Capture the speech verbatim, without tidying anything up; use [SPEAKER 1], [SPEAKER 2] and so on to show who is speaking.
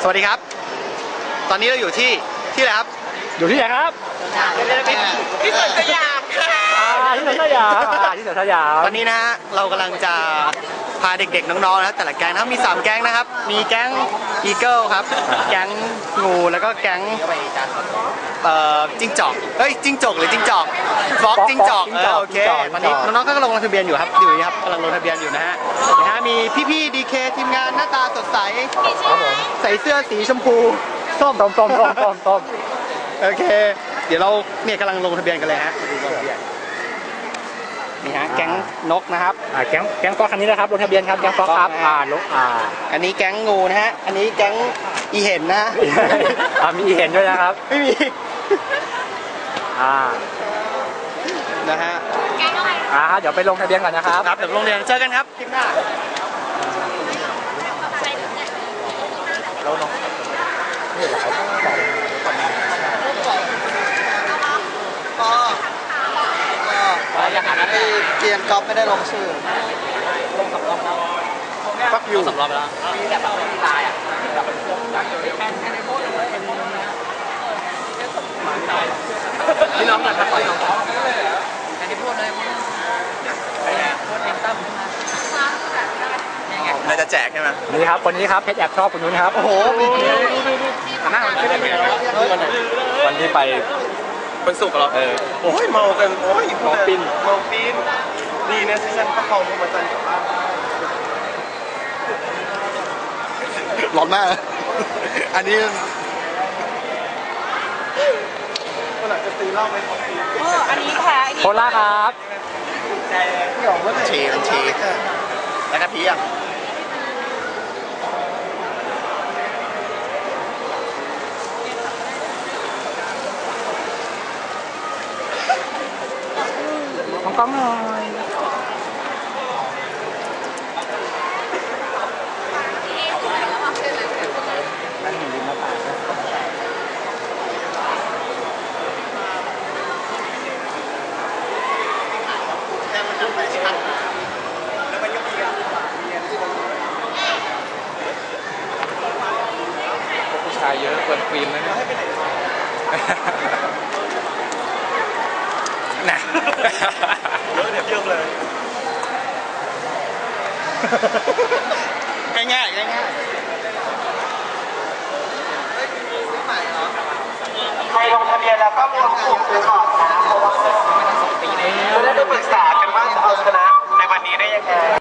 [SPEAKER 1] สวัสดีครับตอนนี้เราอยู่ที่ที่อะไรครับ
[SPEAKER 2] อยู่ที่ไหนครับ
[SPEAKER 1] ที่สวนสยาม
[SPEAKER 2] ที่สวนสยามที่สวนสยาม
[SPEAKER 1] ตอนนี้นะฮะเรากำลังจะพาเด็กๆน้องๆนะแต่ละแก๊งนะครับมีสามแก๊งนะครับมีแก๊งอีเกิลครับแก๊งงูแล้วก็แก๊งเอ่อจิ้งจอกเฮ้ยจิ้งจกหรือจิ้งจอกฟอกจิ้งจอกเออโอเคตอนนี้น้องๆก็กำลังลงทะเบียนอยู่ครับอยู่นี่ครับกำลังลงทะเบียนอยู่นะฮะนะฮะมีพี่ๆดีเคทีมงานหน้าตาสดใสครับผมใส่เสื้อสีชมพูส้มส้มส้มส้มส้มส้มโอเคเดี๋ยวเราเนี่ยกำลังลงทะเบียนกันเลยฮะนี่ฮะแก๊งนกนะครับ
[SPEAKER 2] อ่าแก๊งแก๊งฟอกคันนี้นะครับลงทะเบียนครับแก๊งฟอกครับอ่านกอ่า
[SPEAKER 1] อันนี้แก๊งงูนะฮะอันนี้แก๊งอีเห็นนะ
[SPEAKER 2] อ่ามีอีเห็นด้วยนะครับ
[SPEAKER 1] ไม่มี
[SPEAKER 2] อ่า
[SPEAKER 1] นะฮะ
[SPEAKER 2] อ่าเดี๋ยวไปลงทะเบียนก่อนนะครับ
[SPEAKER 1] ครับเดี๋ยวลงทะเบียนเจอกันครับคลิปหน้าเราลงอย่างนั้นที่เกียนก๊อฟไม่ได้ลงชื่อลงสำรองแล้วฟักยูสำรองไปแล้วมีแต่แบบไม่มีลายอ่ะแบบเป็นพวกแค่แค่ในโพสต์เลยเป็นพี่น้องกันครับพี่น้องแค่ในโพสต์เลยโพสต์โพสต์แอมตั้มน่าจะแจกใช่ไหม
[SPEAKER 2] นี่ครับคนนี้ครับเพชรแอบชอบคนนู้นครับ
[SPEAKER 1] โอ้โหมีหน้าไม่ได้
[SPEAKER 2] วันที่ไป
[SPEAKER 1] วันศุกร์เหรอเออโอ้ยเมากันโอ้ยเมาปินเมาปินดีนะที่ฉันประคองพวกมันจนกลับบ้านร้อนมากอันนี้วันหลังจะตีเหล้าไหม
[SPEAKER 3] เอออันนี้แพ้
[SPEAKER 2] โคล่าครับ
[SPEAKER 1] พี่หยองว่าเชมันเชแล้วกะทิอ่ะ
[SPEAKER 2] ของกล้องหน่อยนั่นอยู่ริมหน้าต่างผู้ชายเยอะเกินฟิล์มนะเนี่ย
[SPEAKER 1] นะเยอะเดี๋ยวเยอะเลยง่ายง่ายง่ายใครลงทะเบียนแล้วก็รวมกลุ่มไปก่อนนะเพราะว่าจะได้ไปปรึกษากันว่าจะเอาชนะในวันนี้ได้ยังไง